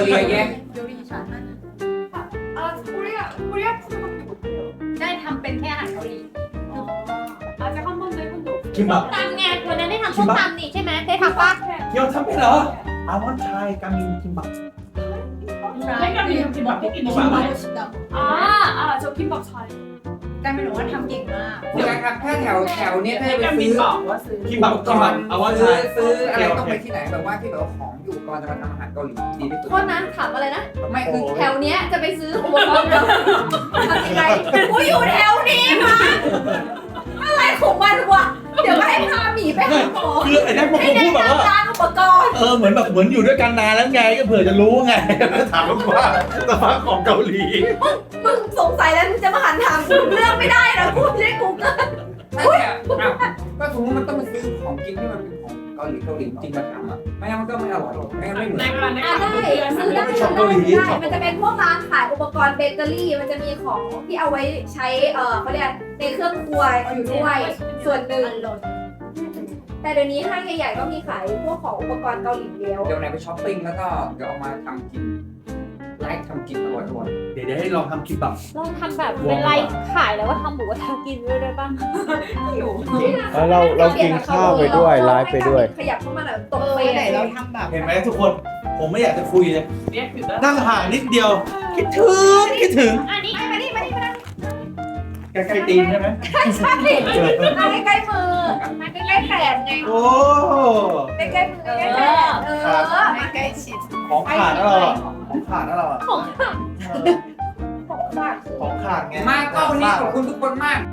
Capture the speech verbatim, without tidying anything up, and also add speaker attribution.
Speaker 1: 리아 예?
Speaker 2: 요리 잘하는
Speaker 3: 아 코리아 코리아 푸드밖에 못해요.
Speaker 2: ได้ทำเป็นแค่อาหารเกาหลี
Speaker 3: 아직 한 번도 해본 적 없어요.
Speaker 4: คิมบับ
Speaker 2: ตำไงวันนั้นได้ทำส้มตำนี่ใช่ไหมได้ทำปะ
Speaker 4: เกียวทำเป็นเหรออาวันไทยกามินคิมบับ
Speaker 2: ใช่
Speaker 5: ให้กับมีกินแบบที่กิน
Speaker 4: มา
Speaker 5: มา
Speaker 3: 아, 아, 저 김밥 잘해요.
Speaker 2: การเป็นหนูว่าทำเก่งมาก
Speaker 1: พี่การครับถ้าแถวแถวเนี้ยถ้า
Speaker 5: ให้
Speaker 1: จะไป
Speaker 5: กับมี
Speaker 1: ซื้อ
Speaker 5: บอกว่าซื้อ
Speaker 4: คิมบับคิมบับอาวันไท
Speaker 1: ซื้อย ซื้อ
Speaker 4: โอ
Speaker 1: อะ
Speaker 4: เค
Speaker 1: ไร
Speaker 4: โอ
Speaker 1: ต้อง
Speaker 4: เค
Speaker 1: ไปที่ไหนแบบว่าที่แบบว่าของอยู่ก่อนจะมาทำอาหารเกาหลีดีที่สุด
Speaker 6: โทษนะถามอะไรนะ
Speaker 1: ไม่คือ
Speaker 6: แถวเนี้ยจะไปซื้ออุปกรณ์เราทำยังไงกูอยู่แถวนี้มาอะไรของมันวะเดี๋ยวก็ให้พาหมีไปหาหมอ
Speaker 4: คือไอ้นั่นพวก
Speaker 6: ให้
Speaker 4: ผม
Speaker 6: แนะ
Speaker 4: พูดแบบว่า
Speaker 6: นำร้านอุปกรณ์
Speaker 4: เออเหมือนแบบเหมือนอยู่ด้วยกันนานแล้วไงก็เผื่อจะรู้ไงถามว่าสภาพของเกาหลี
Speaker 6: มึงสงสัยแล้วมึงจะมาหันถามกูเรื่องไม่ได้นะกูไม่ได้กูเกิล
Speaker 1: ไม่แต่อ้าวก็สมมติมันต้องมาซื้อของกินที่มันเป็นของเกาหลีเกาหลีจริงมาทำอ่ะไม่งั้นมันก็ไม่อร่อยไม่งั้นไม่เหมือน
Speaker 5: ในการใน
Speaker 6: อ่ะ
Speaker 5: การ
Speaker 6: ได้ซื้อได้ซื้อได้ได้มันจะเป็นพวกร้านขายอุปกรณ์เบเกอรี่มันจะมีของที่เอาไว้ใช้เออเขาเรียกในเครื่องครัวอยู่ด้วยส่วนหนึ่งแต่เดี๋ยวนี้ห้างใหญ่ๆก็มีขายพวกของอุปกรณ์เกาหลีแล้ว
Speaker 1: เดี๋ยวไหนไปช้อปปิ้งแล้วก็เดี๋ยวเอามาทำกินไลฟ์ทำกินอร่อยอร่อย
Speaker 4: เดี๋ยวเดี๋ยวให้ลองทำคิมบับ
Speaker 2: ลองทำแบบเป็นไลฟ์ขายแล้วว่าทำหมูกระทะกินด้วยได้ปะ
Speaker 7: แล้วเราเรากินข้าวไปด้วยไลฟ์ไปด้วย
Speaker 6: ขยับเข้ามาหน่อยตรง
Speaker 2: เออ
Speaker 6: เฟ
Speaker 2: ไหน
Speaker 6: ซ
Speaker 2: เราทำแบบ
Speaker 4: เห็นไหมทุกคนผมไม่อยากจะคุยเลย
Speaker 5: เนี่ยคือ
Speaker 4: นั่งห่างนิดเดียว คิดถึงคิดถึง
Speaker 2: อันนี้
Speaker 6: มานี่มานี่มานี่
Speaker 4: ใกล้ๆตีนใช่ไหม
Speaker 6: ใช่มาใกล้ๆมือมาใกล้ๆแขนไง
Speaker 4: โอ้
Speaker 6: ใกล้ๆมือใกล้ๆแขนเออ
Speaker 2: ไม่ใกล้ชิด
Speaker 4: ของขาดแล้วเราอะของขาดแล้วเราอะ
Speaker 2: ของค่ะ
Speaker 6: ของฝาก
Speaker 4: ของขาดไง
Speaker 1: มากก็วันนี้ขอบคุณทุกคนมาก